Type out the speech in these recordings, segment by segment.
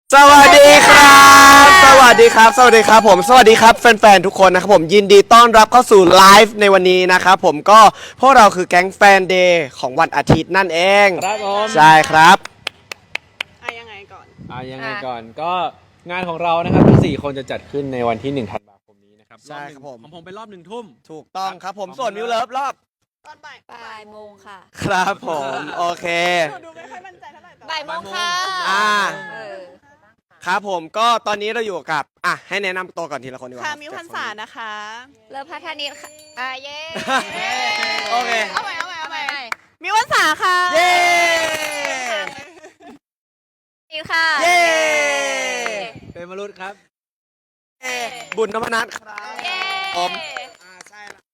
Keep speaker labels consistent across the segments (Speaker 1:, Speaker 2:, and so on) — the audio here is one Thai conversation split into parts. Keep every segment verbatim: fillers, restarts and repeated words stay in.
Speaker 1: สวัสดีครับ สวัสดีครับ สวัสดีครับผม สวัสดีครับแฟนๆทุกคนนะครับผมยินดีต้อนรับเข้าสู่ไลฟ์ในวันนี้นะครับผมก็พวกเราคือแก๊งแฟนเดย์ของวันอาทิตย์นั่นเอง
Speaker 2: ครับผม
Speaker 1: ใช่ครับ
Speaker 3: อ่ะยังไงก่อน
Speaker 2: อ่ายังไงก่อนก็งานของเรานะครับทั้งสี่คนจะจัดขึ้นในวันที่หนึ่งธันวาคมนี้นะครับ
Speaker 1: ใช่ครับผม
Speaker 2: ของผมเป็นรอบหนึ่งทุ่ม
Speaker 1: ถูกต้องครับผมส่วนมิวเลิฟรอบ
Speaker 3: ตอนบ่าย
Speaker 4: บ่ายโมงค่ะ
Speaker 1: ครับผมโอเค
Speaker 3: หนูดูไม่ค่อยมั่นใจเท่าไหร่แต่
Speaker 4: บ่ายโมงค่ะ
Speaker 1: อ่า
Speaker 4: เออ
Speaker 1: ครับผมก็ตอนนี้เราอยู่กับอ่ะให้แนะนำตัวก่อนทีละคนดีกว่า
Speaker 3: ค่ะมิวพันษานะคะ
Speaker 4: เลิฟพัฒนิตค่ะอ่าเย้
Speaker 1: โอเค
Speaker 3: เอาใหม่เอาใหม่เอาใหม่มิวพันษาค่ะ
Speaker 1: เย้
Speaker 4: นี่ค่ะ
Speaker 1: เย้
Speaker 2: เป็นมรุษครับ
Speaker 1: บุญนพนัทครับ
Speaker 4: เย้
Speaker 1: ผมอ่าใช่ละ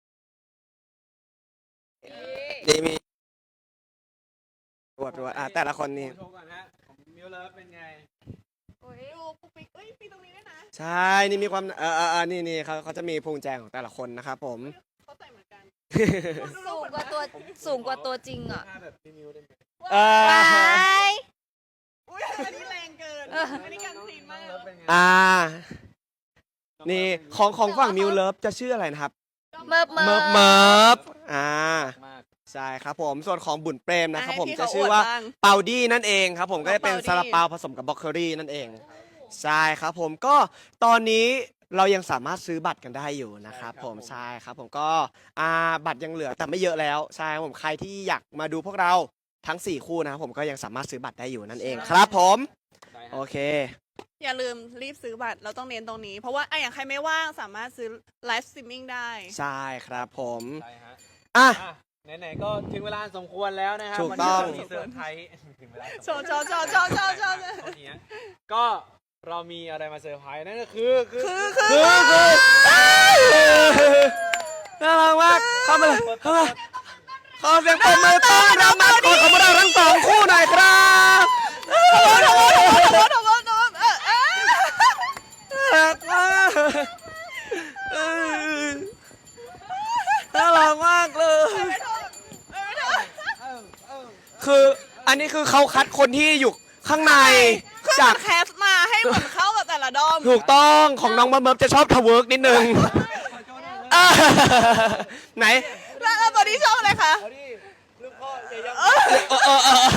Speaker 1: นี่มีตรวจตรวจอ่ะแต่ละคนนี่
Speaker 2: โชว์ก่อนฮะของมิวเลิฟเป็นไง
Speaker 3: ดูปุ๊กปิ๊กเอ้ยมีตรงนี้ด้วยนะ
Speaker 1: ใช่นี่มีความเออเออเออนี่นี่เขาเขาจะมีพุงแจงของแต่ละคนนะครับผม
Speaker 3: เขาใส่เหมือนกัน
Speaker 4: สูงกว่าตัวสูงกว่าตัวจริงอ่ะ
Speaker 2: ท่าแบบพี่มิวได้ไหม
Speaker 1: เอ
Speaker 4: ว้า
Speaker 1: อย
Speaker 3: อุ้ยอันนี้แรงเกินอันนี้การซีนมาก
Speaker 2: น้องเลิฟเป็นไง
Speaker 1: อ่านี่ของของฝั่งมิวเลิฟจะชื่ออะไรนะครับ
Speaker 4: เมิบเมิ
Speaker 1: เมิ
Speaker 4: บบ
Speaker 1: เมิบอ่า
Speaker 2: มาก
Speaker 1: ใช่ครับผมส่วนของบุญเปรมนะครับผม
Speaker 3: ให้พี่
Speaker 1: จะ
Speaker 3: เขา
Speaker 1: ชื่อว่า
Speaker 3: อวดบ้าง
Speaker 1: เปาดี้นั่นเองครับผมก็จะเป็น
Speaker 3: น้อง
Speaker 1: ซา
Speaker 3: เปาดี้
Speaker 1: ลาเปาผสมกับบล็อกเคอรี่นั่นเองใช่ครับผมก็ตอนนี้เรายังสามารถซื้อบัตรกันได้อยู่นะครับผมใช่ครับผมก็อ่าบัตรยังเหลือแต่ไม่เยอะแล้วใช่ครับผมใครที่อยากมาดูพวกเราทั้งสี่คู่นะครับผมก็ยังสามารถซื้อบัตรได้อยู่นั่นเองครับผม
Speaker 2: ได้ฮะ
Speaker 1: โอเค
Speaker 3: อย่าลืมรีบซื้อบัตรเราต้องเน้นตรงนี้ เพราะว่าไอะอย่างใครไม่ว่างสามารถซื้อไลฟ์สตรีมมิ่งได้
Speaker 1: ใช่ครับผม
Speaker 2: ได้ฮะ
Speaker 1: อ่ะ
Speaker 2: อ่ะไหนๆก็ถึงเวลาสมควรแล้วนะครับ
Speaker 1: ถูกต้อง
Speaker 2: วันนี้เรามีเซอร์ไพรส์ถึงเวลาสม
Speaker 3: โช
Speaker 2: ควร
Speaker 3: ว์โชว์โชว์โชว์โชว์โชว์
Speaker 2: เท่านี้ฮะก็เรามีอะไรมาเซอร์ไพรส์นั่นก็คือคือ
Speaker 3: คือคือ
Speaker 1: คือคือน่ารักมากเข้ามาเลยเข้ามาขอเสียงปรบมือต้อนรับมาก่อนของเราทั้งสองคู่หน่อยครับ
Speaker 3: โถโถโถโถโถโถโถเออเออ
Speaker 1: น่ารักมากเออน่ารักมากเลย คืออันนี้คือเขาคัดคนที่อยู่ข้างใน
Speaker 3: คือ
Speaker 1: จาก
Speaker 3: มันแคสมาให้เหมือนเข้ากับแต่ละดอม
Speaker 1: ถูกต้องของน้องบัมเบิร์จะชอบทะเวิร์กนิดนึงอ่าไหน
Speaker 3: แล้วแล้วตัวนี้ชอบอะไรคะ
Speaker 2: เอาดิลูกพ่ออย่ายัง
Speaker 1: เออเออเออ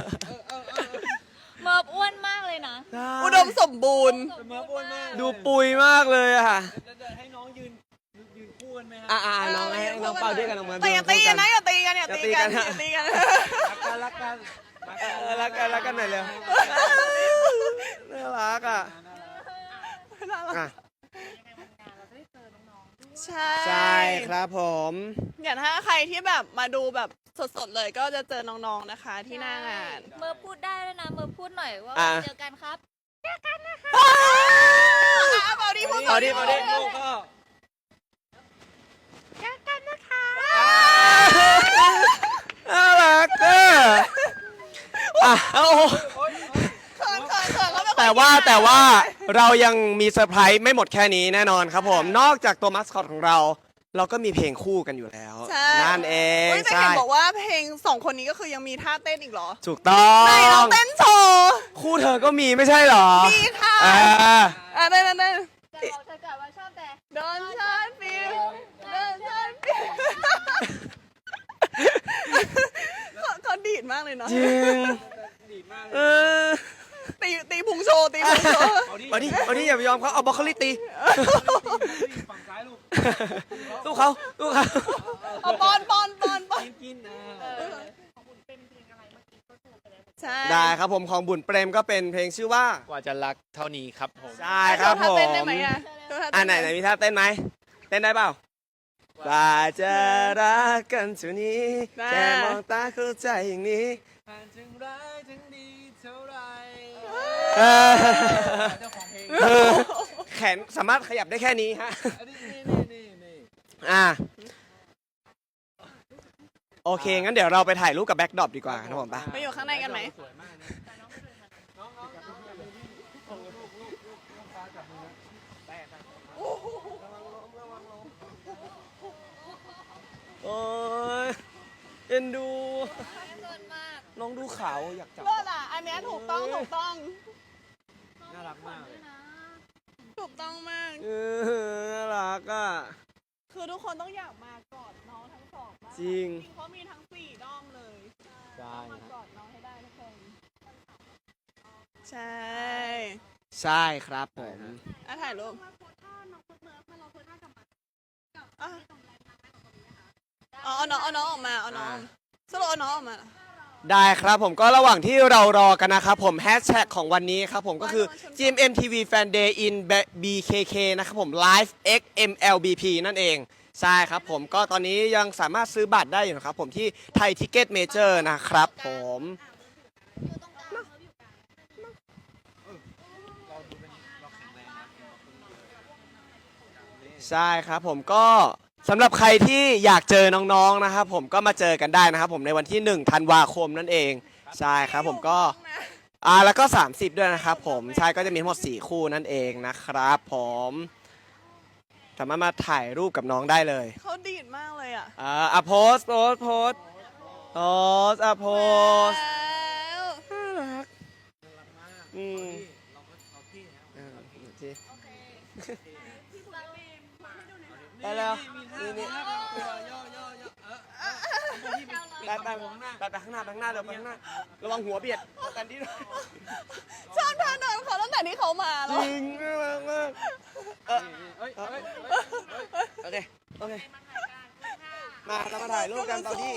Speaker 4: เมิบอ้วนมากเลยนะ
Speaker 3: อุดมสมบูรณ์
Speaker 2: เสมออ้วนมาก
Speaker 1: ดูปุยมากเลยอะค่ะ
Speaker 2: จะจะให้น้องยืนยืนคู่กันไหมฮะ
Speaker 1: อ่าอ่าน้องให้น้องเป่าด้วยกันน้องเบิร์
Speaker 3: แต่อย่าตีกันนะอย่าตีกันอย่าตีกัน
Speaker 1: อย่า
Speaker 3: อย่า
Speaker 1: ตี
Speaker 3: ตี
Speaker 1: กั
Speaker 3: กัน น
Speaker 2: รักกันรักกันรัก
Speaker 1: เอ
Speaker 2: กัน
Speaker 1: อรักกันรักกันหน่อยเร็วน่ารักอ่ะอ่ะ
Speaker 3: ใช่
Speaker 1: ใช่ครับผม
Speaker 3: อย่างถ้าใครที่แบบมาดูแบบสดๆเลยก็จะเจอน้องๆนะคะที่หน้างาน
Speaker 4: เมิบพูดได้ด้วยนะ เมิบพูดหน่อยว่า
Speaker 1: อ่ะ
Speaker 4: เจอกันครับ
Speaker 3: อ่ะเปาดีพูด
Speaker 1: เอาดิเอาดิ
Speaker 2: ลูกพ่อ
Speaker 1: น่ารักอ่ะอ่ะโอ้โห
Speaker 3: เขินเขินเขินเขาไม่ค่อย
Speaker 1: แต่ว่า
Speaker 3: กิน
Speaker 1: แต่ว่าเรายังมีเซอร์ไพรส์ไม่หมดแค่นี้แน่นอนครับผม นอกจากตัวมัสคอตของเรา เราก็มีเพลงคู่กันอยู่แล้ว
Speaker 3: ใช่
Speaker 1: นั่นเอง
Speaker 3: เฮ้ยแต่
Speaker 1: ใช่
Speaker 3: เห็นบอกว่าเพลงสองคนนี้ก็คือยังมีท่าเต้นอีกเหรอ
Speaker 1: ถูกต้อง
Speaker 3: ไหนลองเต้นโชว์
Speaker 1: คู่เธอก็มีไม่ใช่เหรอ
Speaker 3: มีค่ะ
Speaker 1: อ่า
Speaker 3: อ่ะเต้นเต้นเต้น
Speaker 4: จะบอกเธอก่อนว่าชอบแต่
Speaker 3: โดนฉันฟิลโดนฉันฟิลเขาเขาดีดมากเลยเนาะ
Speaker 1: จริง
Speaker 2: ดีมากเล
Speaker 1: เอย อ
Speaker 3: ตีตีพุงโชว์ตีพุงโชว์
Speaker 2: เอาดิ
Speaker 1: เอาดิเอาดิอย่าไปยอมเขาเอาบล็อกโคลี่ตี
Speaker 2: ฝั่งซ้ายลูก
Speaker 1: สู้เขาสู้เขา
Speaker 3: เอาปอนปอนปอนปอน
Speaker 2: กินกินอ่า
Speaker 3: ใช่
Speaker 1: ได้ครับผมของบุญเปรมก็เป็นเพลงชื่อว่า
Speaker 2: กว่าจะรักเท่านี้ครับผม
Speaker 1: ใช่ครับผ
Speaker 3: โชว์ท่าม เต้นได้ไหมอ่ะ
Speaker 1: อ่าไหนไหนมีท่าเต้นไหมเต้นได้เปล่ากว่าจะรักกันเท่านี้แค่มองตาเข้าใจอย่างนี้
Speaker 2: ผ่านถึงร้ายถึงดีเท่าไร
Speaker 1: เออ
Speaker 2: เจ้าของเพลง
Speaker 1: เออแขนสามารถขยับได้แค่นี้ฮะ
Speaker 2: อันนี้นี่นี่นี่
Speaker 1: อ่าโอเค งั้นเดี๋ยวเราไปถ่ายรูปกับแบ็คดรอปดีกว่าครับผมปะ
Speaker 3: ไปอยู่ข้างในกันไหม
Speaker 2: สวยมากนะน้องน้องจับมือลูกลูกลูกลูกลูกฟ้าจับมือแตะ
Speaker 1: โอ้ยเอ็นดู
Speaker 4: เกินมาก
Speaker 1: น้องดูขาวอยากจับ
Speaker 3: เลิศอ่ะ อันเนี้ยถูกต้องถูกต้องคือทุกคนต้องอยากมากอดน้องทั้งสองมาก
Speaker 1: จริง
Speaker 3: จริงเพราะมีทั้งสี่ด้อมเลย
Speaker 1: ใช่
Speaker 3: ต้องมากอดน้องให้ได้ทุกคน ใช่
Speaker 1: ใช่ครับผม
Speaker 3: อ่ะถ่ายรูปอ่ะอ๋อเอาน้องเอาน้องออกมาเอาน้องสรุปเอาน้องออกมา
Speaker 1: ได้ครับผมก็ระหว่างที่เรารอกันนะครับผมแฮชแท็กของวันนี้ครับผมก็คือ จี เอ็ม เอ็ม ที วี Fan Day in บี เค เค นะครับผม Live X เอ็ม แอล บี พี นั่นเองใช่ครับผมก็ตอนนี้ยังสามารถซื้อบัตรได้อยู่นะครับผมที่ไทยทิกเก็ตเมเจอร์นะครับผมใช่ครับผมก็สำหรับใครที่อยากเจอน้องๆนะครับผมก็มาเจอกันได้นะครับผมในวันที่หนึ่งธันวาคมนั่นเองใช่ครับผมก็อ่าแล้วก็สามสิบด้วยนะครับผมใช่ก็จะมีทั้งหมดสี่คู่นั่นเองนะครับผมสามารถมาถ่ายรูปกับน้องได้เลย
Speaker 3: เขาดีดมากเลยอ่ะ
Speaker 1: อ่าอ่ะโพสโพสโพสโพสอ่ะโพส
Speaker 3: แล้ว
Speaker 1: น่ารักอืม
Speaker 2: เราก็เราพี่นะ
Speaker 1: อ่าโอเคได้แล้วนี่นี่
Speaker 2: ย่อย่อย่อย่อเออที่เป็น
Speaker 1: ไปไปไปไปข้างหน้าไปข้างหน้าเร็วไปข้างหน้าระวังหัวเบียดกันดิ
Speaker 3: ชอบท่าเดินเขาตั้งแต่ที่เขามา
Speaker 1: จ
Speaker 3: แล้ว
Speaker 1: ริงน่ารักมากเออ
Speaker 2: เฮ้ยเฮ้ย
Speaker 1: โอเคโอเคมาเรามาถ่ายรูปกันตอนที่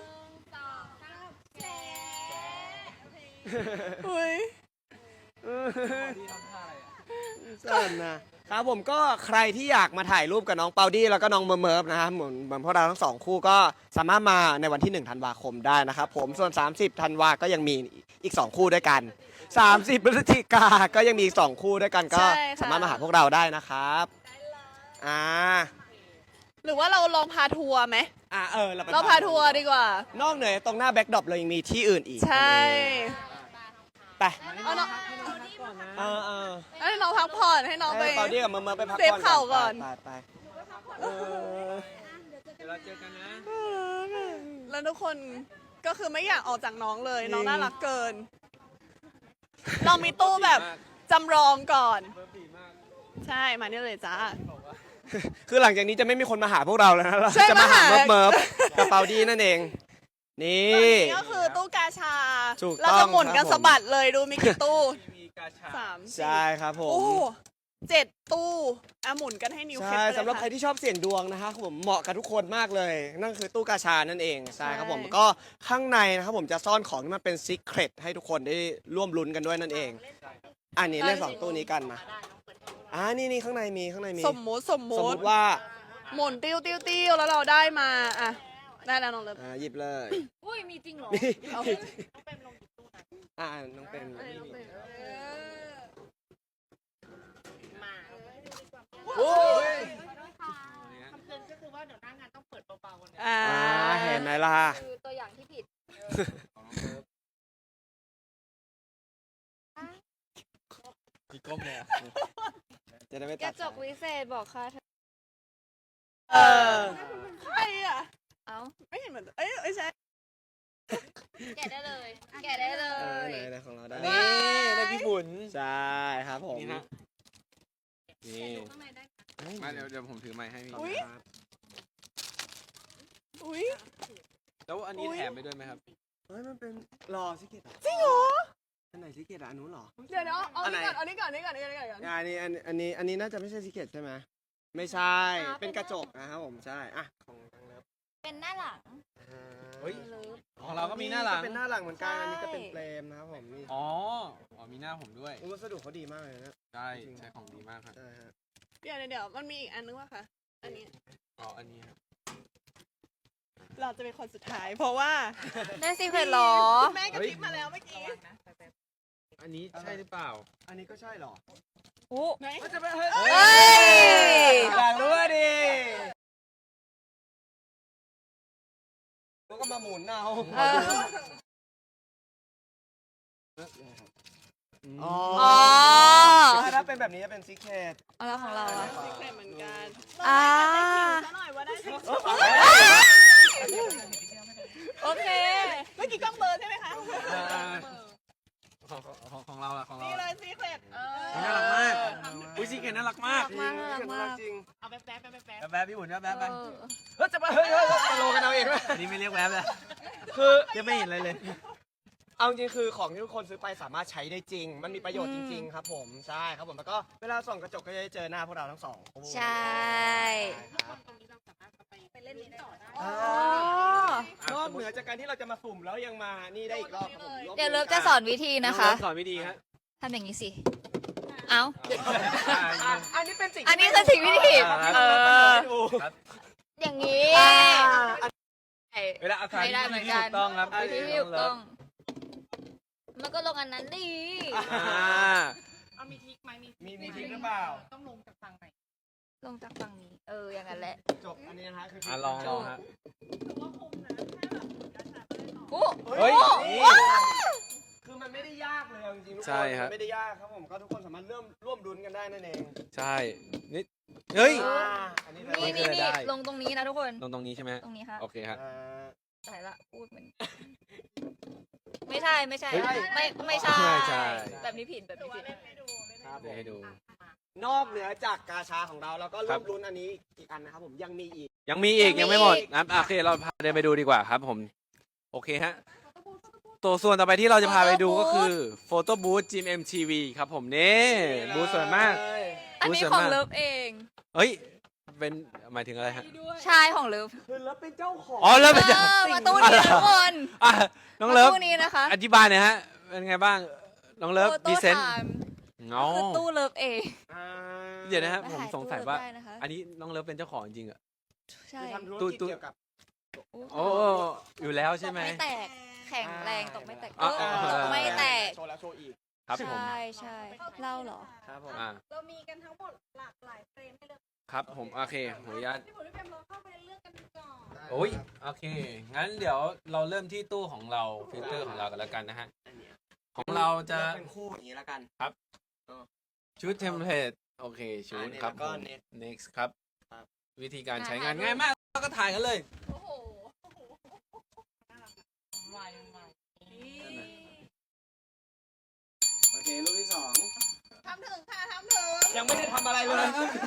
Speaker 3: อุ้ย
Speaker 2: ที่ทำท่าอะไรอ่ะ
Speaker 1: สั่นนะครับผมก็ใครที่อยากมาถ่ายรูปกับน้องเปาดี้แล้วก็น้องเมิร์ฟเมิร์ฟนะครับเหมือนเหมือนพวกเราทั้งสองคู่ก็สามารถมาในวันที่หนึ่งธันวาคมได้นะครับผมส่วนสามสิบธันวาก็ยังมีอีกสองคู่ด้วยกันสามสิบพฤศจิกาก็ยังมีอีกสองคู่ด้วยกันก็สามารถมาหาพวกเราได้นะครับอ่า
Speaker 3: หรือว่าเราลองพาทัวร์ไหม
Speaker 1: อ่าเออเราไป
Speaker 3: เราพาทัวร์ดีกว่า
Speaker 1: นอกเหนือตรงหน้าแบ็คดรอปเรายังมีที่อื่นอีก
Speaker 3: ใช่
Speaker 1: ไป
Speaker 3: เอาน้อง
Speaker 1: เออเออ
Speaker 3: ให้น้องพักผ่อนให้น้องไป
Speaker 1: ให้เปาดี้กับเมิร์ฟเมิร์ฟไปพัก
Speaker 3: เซฟ
Speaker 1: ผ่อน
Speaker 3: เข่าก่อน
Speaker 1: ไปไปเออ
Speaker 2: เดี๋ยวเราเจอกันนะ
Speaker 3: แล้วทุกคนก็คือไม่อยากออกจากน้องเลย น้องน่ารักเกิน เรามีตู้แบบจำลองก่อน
Speaker 2: เบอร์บีมาก
Speaker 3: ใช่ มานี่เลยจ้า
Speaker 1: คือหลังจากนี้จะไม่มีคนมาหาพวกเราแล้วนะเรา
Speaker 3: ใช่
Speaker 1: จะมาหา
Speaker 3: มาหา
Speaker 1: เมิร์ฟเมิร์ฟกับเปาดี้นั่นเอง นี่
Speaker 3: นี่ก็คือตู้กาชา
Speaker 1: ถูก
Speaker 3: เรา
Speaker 1: ต้
Speaker 3: จะ
Speaker 1: อง
Speaker 3: หมุนกัน
Speaker 1: ครับผม
Speaker 3: สะบัดเลยดูมีกี่ตู้
Speaker 2: มีกาชา
Speaker 3: สามสี่
Speaker 1: ใช่ครับผม
Speaker 3: โอ้เจ็ดตู้อ่ะหมุนกันให้นิ้วเคล็ด
Speaker 1: ใช่
Speaker 3: ไปเลย
Speaker 1: สำหรับใคร
Speaker 3: ค่ะ
Speaker 1: ที่ชอบเสี่ยงดวงนะครับผมเหมาะกับทุกคนมากเลย นั่นคือตู้กาชานั่นเองใช่ครับผม
Speaker 3: ใช่
Speaker 1: ก็ข้างในนะครับผมจะซ่อนของที่มันเป็นซีเครตให้ทุกคนได้ร่วมลุ้นกันด้วยนั่นเอง อันนี้เล่นสองตู้นี้กันมาอ่านี่นี่ข้างในมีข้างในมี
Speaker 3: สมมุติสม
Speaker 1: สม
Speaker 3: มุ
Speaker 1: ม
Speaker 3: ติ
Speaker 1: ติว่า
Speaker 3: หมุนติ้วติ้วติ้วแล้วเราได้มาอ่ะได้แล้วน้องเลิฟ
Speaker 1: อ่าหยิบเลย
Speaker 4: อุ้ยมีจริงเหรอ
Speaker 1: นี่
Speaker 3: เอา
Speaker 1: อ่าน้องเป็นนี่นี่โอ้ย
Speaker 3: อ่า
Speaker 1: อ่าเห็นไหมล่ะ
Speaker 4: คือตัวอย่างที่ผิด
Speaker 2: มีก้มเลยอ่ะ
Speaker 1: จะได้ไม่
Speaker 4: ก
Speaker 1: ตั
Speaker 4: ระ
Speaker 1: ด
Speaker 4: จกวิเศษบอกค่ะ
Speaker 3: เออใครอ่ะ
Speaker 4: เอา
Speaker 3: ไม่เห็นเหมือนเอ้ยไม่ใช่
Speaker 4: แกะได้เลย แกะได้เล
Speaker 1: เออย ไหนไหนของเราได้
Speaker 2: นี่ได้พี่บุญ
Speaker 1: ใช่ครับผม
Speaker 2: นี่ฮะ
Speaker 1: นี่
Speaker 2: มาเดี๋ยวเดี๋ยวผมถือไม้ให้พี่
Speaker 3: อุ๊ย
Speaker 1: ครับ
Speaker 3: อุ้ย
Speaker 2: แล้วอันนี้
Speaker 3: อุ๊ย
Speaker 2: แถมไปด้วยไหมครับ
Speaker 1: เฮ้ยมันเป็นรอซิกเก็ต
Speaker 3: จริงเหรอ
Speaker 1: อันไหนซิกเก็ตอ่ะอันนู้นเหรอ
Speaker 3: เดี๋ยวเดี๋ยวเอา
Speaker 1: อันไหน
Speaker 3: นี่ก่อนเอานี่ก่อนนี่ก่อนนี่ก่อนนี่ก่อน
Speaker 1: อ่าอันนี้อันอันนี้อันนี้น่าจะไม่ใช่ซิกเก็ตใช่ไหมไม่ใช่
Speaker 4: อ่าเป็
Speaker 1: เป็น
Speaker 4: น
Speaker 1: กระจกนะครับผมใช่อ่ะของทางเลิฟ
Speaker 4: เป็นหน้าหลัง
Speaker 2: เฮ้ย
Speaker 4: เลิฟ
Speaker 2: ของเราก็มีหน้าหลัง
Speaker 1: เป็นหน้าหลังเหมือนกัน
Speaker 4: ใช่
Speaker 1: อันนี้ก็เป็นเฟรมนะครับผมนี่
Speaker 2: อ๋อ อ๋อ มีหน้าผมด้วย
Speaker 1: วัสดุเขาดีมากเลยนะ
Speaker 2: ใช่ ใช้ของดีมากครับ
Speaker 1: ใช่ฮะ
Speaker 3: เดี๋ยวเดี๋ยวเดี๋ยวมันมีอีกอันนึงว่ะค่ะ อันนี้
Speaker 2: อ๋อ อันนี้ครับ
Speaker 3: เราจะเป็นคนสุดท้าย เพราะว่า
Speaker 4: ได้ซีเครตเหรอ
Speaker 3: แม่กระพริบมาแล้วเมื่อกี้
Speaker 2: อันนี้ใช่หรือเปล่า
Speaker 1: อันนี้ก็ใช่เหรอ
Speaker 4: โอ้
Speaker 3: ไหน
Speaker 2: มันจะเป็นเฮ้ย
Speaker 4: เฮ้ย
Speaker 1: อยากรู้อ่ะดิแล้วก็มาหมุนเอา
Speaker 4: เออ
Speaker 1: อ๋อ
Speaker 4: อ๋อ
Speaker 1: ถ้าเป็นแบบนี้จะเป็นซิกเก็ต
Speaker 4: เอาแล้วของเราอะ
Speaker 3: ซีเครตเหมือนกัน
Speaker 4: อ่า
Speaker 3: ซะหน่อยว่าได้ซีเครต
Speaker 4: โอเค
Speaker 3: เมื่อกี้กล้องเบลอร์ใช่ไหมคะ
Speaker 2: ของของของเราล่ะของเรา
Speaker 3: นี่เลยซีเครตเออ
Speaker 2: น่ารักมาก อุ้ยซีเคนน่ารักมาก
Speaker 4: มากน่ารักมาก
Speaker 1: จริง
Speaker 2: แบ๊บแบ๊บพี่หุ่นแบ๊บแบ๊บไป
Speaker 4: เออ
Speaker 1: เฮ้ยจะมาเฮ้ยเฮ้ยเฮ้ยตกลงกันเอาเองไหม
Speaker 2: อันนี้ไม่เรียกแบ๊บเลย
Speaker 1: คือ
Speaker 2: ยังไม่เห็นอะไรเลย
Speaker 1: เอาจริงๆคือของที่ทุกคนซื้อไปสามารถใช้ได้จริง มันมีประโยชน์จริง ๆ ครับผมใช่ครับผมแล้วก็เวลาส่องกระจกก็จะได้เจอหน้าพวกเราทั้งสองคู่
Speaker 4: ใช่
Speaker 1: ครับ
Speaker 4: อ๋อ
Speaker 1: นอกเหนือจากการที่เราจะมาสุ่มแล้วยังมานี่ได้อีกรอบครับผม
Speaker 4: เดี๋ยวเลิฟจะสอนวิธีนะคะ
Speaker 2: สอนวิธีฮะ
Speaker 4: ทำอย่างนี้สิ เอ้า
Speaker 1: อ่ะอันนี้เป็นสิ่ง
Speaker 4: อันนี้คือสิ่งวิธี
Speaker 1: ครับที่
Speaker 4: เอ
Speaker 1: เรา
Speaker 4: อ
Speaker 1: เปิดให้ดู
Speaker 4: อย่างนี้
Speaker 1: อ่า
Speaker 2: เวลาอาคาร
Speaker 4: ไม่ได้เหมือนกัน
Speaker 2: ถูกต้องครับ
Speaker 4: วิธีที่ถูกต้อง มันก็ลงอันนั้นดี
Speaker 2: อ่า
Speaker 5: เอามีทริกไหมมี
Speaker 1: มีมีทริคหรือเปล่า
Speaker 5: ต้องลงจากฝั่งไหน
Speaker 4: ลงจากฝั่งนี้ เออ อย่างนั้นแหละ
Speaker 1: จบอันนี้นะฮะคือ
Speaker 2: อ่ะลองลองฮะ
Speaker 5: ถือว่าคุ้มนะแค่แบบกระชากได้ต่อ
Speaker 4: โอ้
Speaker 2: เฮ้ย
Speaker 1: นี่
Speaker 2: นี่
Speaker 1: คือมันไม่ได้ยากเลยเอาจริงๆทุกคน
Speaker 2: ใช่ฮะ
Speaker 1: มันไม่ได้ยากครับผมก็ทุกคนสามารถเริ่มร่วมรุ้นกันได้นั่นเอง
Speaker 2: ใช่นี่เฮ้ย
Speaker 1: อ่าอันนี้เลย
Speaker 4: นี่นี่นี่ลงตรงนี้นะทุกคน
Speaker 2: ตรงตรงนี้ใช่ไหม
Speaker 4: ตรงนี้ค่ะ
Speaker 2: โอเคฮะ
Speaker 1: อ่า
Speaker 4: ตายละพูดเหมือน ไม่ใช่ไม่ใช่
Speaker 1: ไม่ใช่
Speaker 4: ไม่ไม่ใช่
Speaker 2: ไม่ใช่
Speaker 4: แบบนี้ผิดแบบนี้ผิด
Speaker 1: ครับผ
Speaker 2: เดี๋ยว
Speaker 1: ม
Speaker 2: ให้ดู
Speaker 1: นอกเหนือจากกาชาของเราเราก็
Speaker 2: ครั
Speaker 1: ร่ว
Speaker 2: บ
Speaker 1: มรุ้นอันนี้อีกอันนะครับผมยังมีอีก
Speaker 2: ยังมีอีก
Speaker 4: ยั
Speaker 2: ยัง ง
Speaker 4: มี
Speaker 2: ไม่หมด
Speaker 4: อีก
Speaker 2: นะโอเคเราพาเดินไปดูดีกว่าครับผม โอเคฮะ ตัวส่วนต่อไปที่เราจะพาไปดูก็คือโฟโต้บูธจิม เอ็ม ที วี ครับผมนี่บูธสวยมาก
Speaker 4: อันนี้
Speaker 2: รู้สึก
Speaker 4: ของ
Speaker 2: มาก
Speaker 4: เลิฟเอง
Speaker 2: เฮ้ย เป็นหมายถึงอะไรฮะ
Speaker 4: ชายของเลิฟ
Speaker 1: คือแล้วเป็นเจ้าของ
Speaker 2: อ๋อเลิฟเป็น
Speaker 4: เอ
Speaker 2: เจ้า
Speaker 4: อมาตู้นี้นะทุกคน
Speaker 2: อ่ะน้องเลิฟ
Speaker 4: มาตู้นี้นะคะ
Speaker 2: อธิบายหน่อยฮะ เป็นไงบ้าง น้องเลิฟ
Speaker 4: โฟ
Speaker 2: พ
Speaker 4: โต้
Speaker 2: รีเซนต์
Speaker 4: ไทม์
Speaker 2: อ๋อ
Speaker 4: คือตู้เลิฟเอง
Speaker 1: อ่า
Speaker 2: เดี๋ยวนะฮะ
Speaker 4: มา
Speaker 2: ผม
Speaker 4: ถ่าย
Speaker 2: สงสัย
Speaker 4: ตู้
Speaker 2: ว่า
Speaker 4: ได้นะคะ
Speaker 2: อันนี้น้องเลิฟเป็นเจ้าของจริงๆเหรอ
Speaker 4: ใช่
Speaker 1: คือทำธุร
Speaker 2: ตู้
Speaker 1: กิจ
Speaker 2: ตู้
Speaker 1: เกี่ยวกับ
Speaker 2: โอ้อยู่แล้วใช่ไหม
Speaker 4: ตกไม่แตก แข็งแรงตกไม่แตก
Speaker 2: อ่า
Speaker 4: เออตกไม่แตก
Speaker 1: โชว์แล้วโชว์อีก
Speaker 2: ครับผม
Speaker 4: ใช่ใช่เล่าเหรอ
Speaker 1: ครับผม
Speaker 2: อ่า
Speaker 5: เรามีกันทั้งหมดหลากหลายเฟรมให้เลือก
Speaker 2: ครับผม โอเคขออนุญาต
Speaker 5: พี่ผมพี่เฟรมเราเข้าไปเลือกกันก่อน
Speaker 2: โอ้ย โอเค งั้นเดี๋ยวเราเริ่มที่ตู้ของเรา ฟิลเตอร์ของเรากันแล้วกันนะฮะ ของเราจะ
Speaker 1: เป็นคู่อย่างนี้แล้วกัน
Speaker 2: ชุดเทมเพลตโอเค ชุด
Speaker 1: อ่าเนี่ย
Speaker 2: ครับ
Speaker 1: แล้วก็
Speaker 2: ผม
Speaker 1: next
Speaker 2: next ครับ
Speaker 1: ครับ
Speaker 2: วิธีการใช้งาน
Speaker 4: ถ่ายรูป
Speaker 2: ง่ายมากเราก็ถ่ายกันเลย
Speaker 5: โอ้โห
Speaker 4: วายวาย
Speaker 1: โอเครูปที่สอง
Speaker 5: ทำถึงค่ะทำถึง
Speaker 1: ยังไม่ได้ทำอะไรเลย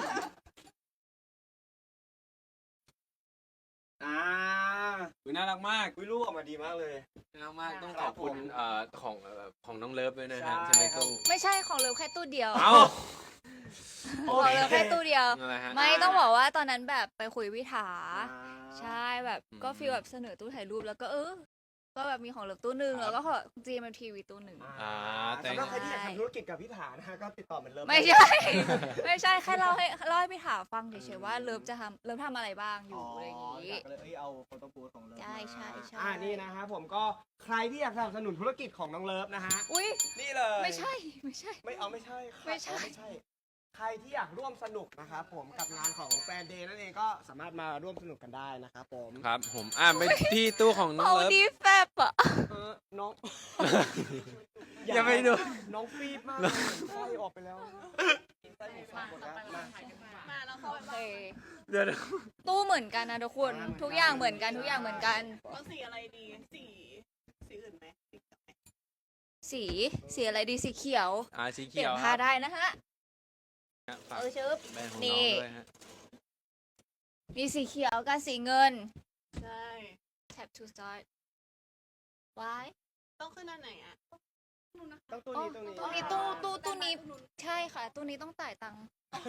Speaker 1: อ่า
Speaker 2: อุ๊ยน่ารักมาก
Speaker 1: วิลูกออกมาดีมากเลย
Speaker 2: น่ารักมาก ต้อง
Speaker 1: ค
Speaker 2: ข
Speaker 1: รั
Speaker 2: อ
Speaker 1: บบ
Speaker 2: คุณ
Speaker 1: ผม
Speaker 2: เอ่อของเอ่อของน้องเลิฟด้วยนะฮะ
Speaker 1: ใช่
Speaker 2: ใช่ไหม
Speaker 1: ครับ
Speaker 2: ตู้
Speaker 4: ไม่ใช่ของเลิฟแค่ตู้เดียว
Speaker 2: เอ้า
Speaker 4: ของเลิฟแค่ตู้เดียว
Speaker 2: อะไรฮะ
Speaker 4: ไม่ต้องบอกว่าตอนนั้นแบบไปคุยวิถา
Speaker 1: อ่า
Speaker 4: ใช่แบบ
Speaker 2: อืม
Speaker 4: ก็ฟีลแบบเสนอตู้ถ่ายรูปแล้วก็เออ ก็แบบมีของเลิฟตู้หนึ่ง
Speaker 2: ครับ
Speaker 4: แล้วก็ของ จี เอ็ม ที วี ตู้หนึ่ง
Speaker 2: อ่าแต่
Speaker 1: สำหรับใครที่อยากทำธุรกิจกับพิธานะฮะก็ติดต่อเหมือนเริ่ม
Speaker 4: ไม่ใช่ ไม่ใช่แค่เล่าให้เล่าให้พี่ถาฟังเฉยๆว่าเลิฟจะทำเลิฟทำอะไรบ้างอยู่อะไรอย่าง
Speaker 1: นี้
Speaker 4: งี้
Speaker 1: ก็เลยเอ้ยเอาโฟโต้บูธของเลิฟ
Speaker 4: ใช่
Speaker 1: มา
Speaker 4: ใช่ใช่
Speaker 1: อ่านี่นะฮะผมก็ใครที่อยากสนับสนุนธุรกิจของน้องเลิฟนะฮะ
Speaker 4: อุ้ย
Speaker 1: นี่เลย
Speaker 4: ไม่ใช่ไม่ใช่
Speaker 1: ไม่เอาไม่ใช่ค่ะ
Speaker 4: ไม่ใช่
Speaker 1: เอาไม่ใช่ ใครที่อยากร่วมสนุกนะครับผมกับงานของแฟนเดย์นั่นเองก็สามารถมาร่วมสนุกกันได้นะครับผม
Speaker 2: ครับผม อ่าไปที่ตู้ของน้อง
Speaker 4: เมา
Speaker 2: เลิฟ
Speaker 4: ดีแฟบอ่ะ
Speaker 1: เออน้อง
Speaker 2: อย่าไปดู
Speaker 1: น้องฟีดมากเลยไส้ออกไปแล้วไส้หมูสับหมดแล้วมา
Speaker 5: มาแล้วเข้า
Speaker 4: โอ
Speaker 5: ไป
Speaker 4: เค
Speaker 2: เดี๋ยว
Speaker 4: ตู้เหมือนกันนะทุกคนทุกอย่างเหมือนกันทุกอย่างเหมือนกัน
Speaker 5: เอาสีอะไรดี สีสีอื่นไหมสีเขียวไหม
Speaker 4: สีสีอะไรดีสีเขียว
Speaker 2: อ่าสี
Speaker 4: เปลี่
Speaker 2: เขี
Speaker 4: ย
Speaker 2: ย
Speaker 4: น
Speaker 2: วค
Speaker 4: ผ้า
Speaker 2: รับ
Speaker 4: ได้นะฮะ
Speaker 2: ฝาก
Speaker 4: เออชึบ
Speaker 2: แบรนด์ของ
Speaker 4: นี่
Speaker 2: น้องด้วยฮะ
Speaker 4: มีสีเขียวกับสีเงิน
Speaker 5: ใช่
Speaker 4: tap to start why
Speaker 5: ต้องขึ้นอันไหนอ่ะ
Speaker 1: ต้องตู้
Speaker 4: อ๋อ
Speaker 1: นี้ตู้นี้
Speaker 4: ตู้นี้ตู้ตู้ตู้นี้ใช่ค่ะ ตู้นี้ต้องจ่ายตังค์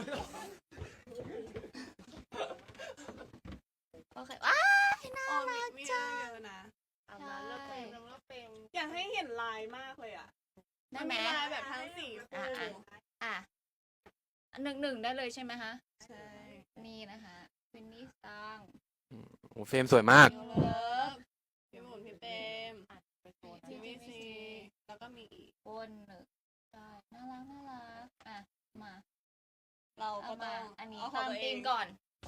Speaker 4: โอเคว้ายน่า
Speaker 5: อ๋อมี
Speaker 4: รัก
Speaker 5: มี
Speaker 4: จัง
Speaker 5: เยอะนะ
Speaker 4: เอามาเลือกเฟรม
Speaker 5: เลือกเฟรมอยากให้เห็นลายมากเลยอ่ะ
Speaker 4: ได้ไหม
Speaker 5: นลายแบบทั้งสี่
Speaker 4: อ่ะ
Speaker 5: คู่
Speaker 4: อ่ะ อ่ะหนึ่งหนึ่งได้เลยใช่ไหมคะ
Speaker 5: ใช่
Speaker 4: นี่นะคะฟินนี่ซัง
Speaker 2: โอ้เฟรมสวยมาก
Speaker 5: เลิฟพี่หมุนพี่เปมทีวีซีแล้วก็มีอีก
Speaker 4: บนหนึ่งได้น่ารักน่ารักอ่ะมา
Speaker 5: เราก็
Speaker 4: เอา
Speaker 5: ต้
Speaker 4: มา
Speaker 5: อง
Speaker 4: อันนี้
Speaker 5: เขอ
Speaker 4: ตาง ม
Speaker 5: ตัวเอ
Speaker 4: ธี
Speaker 5: ง
Speaker 4: มก่อน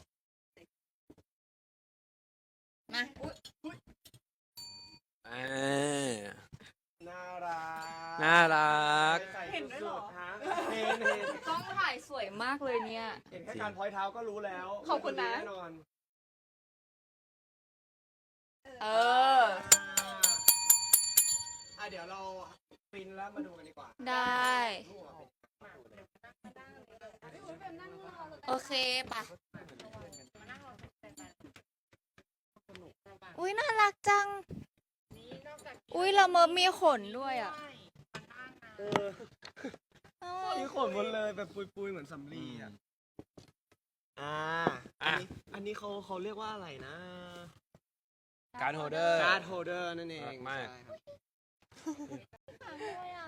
Speaker 4: มาอุ๊ย
Speaker 2: อ่า
Speaker 1: น่ารัก
Speaker 2: น่ารัก
Speaker 5: เห็นด้วยเหรอ
Speaker 1: ฮะเห็นเห็น
Speaker 4: กล้องถ่ายสวยมากเลยเนี่ย
Speaker 1: เห็นแค่การพอยเท้าก็รู้แล้ว
Speaker 5: ขอบคุณนะ
Speaker 1: แน่นอน
Speaker 4: เออ
Speaker 1: อ่ะเดี๋ยวเราปริ้นแล้วมาดูกันดีกว่า
Speaker 4: ได้
Speaker 1: รูปออกมาเป็น
Speaker 4: โอเคปะอุ้ยน่ารักจัง อุ้ยละเมอมีขนด้วยอ่ะ
Speaker 1: เออมีขนหมดเลยแบบปุยๆเหมือนสำลีอ่ะอ่าอันนี้อันนี้เขาเขาเรียกว่าอะไรนะ
Speaker 2: การ์ดโฮลเดอร์
Speaker 1: การ์ดโฮลเดอร์นั่นเอง
Speaker 2: น่ารักมาก
Speaker 1: ใช่ครับ
Speaker 4: ด้วยอ่ะ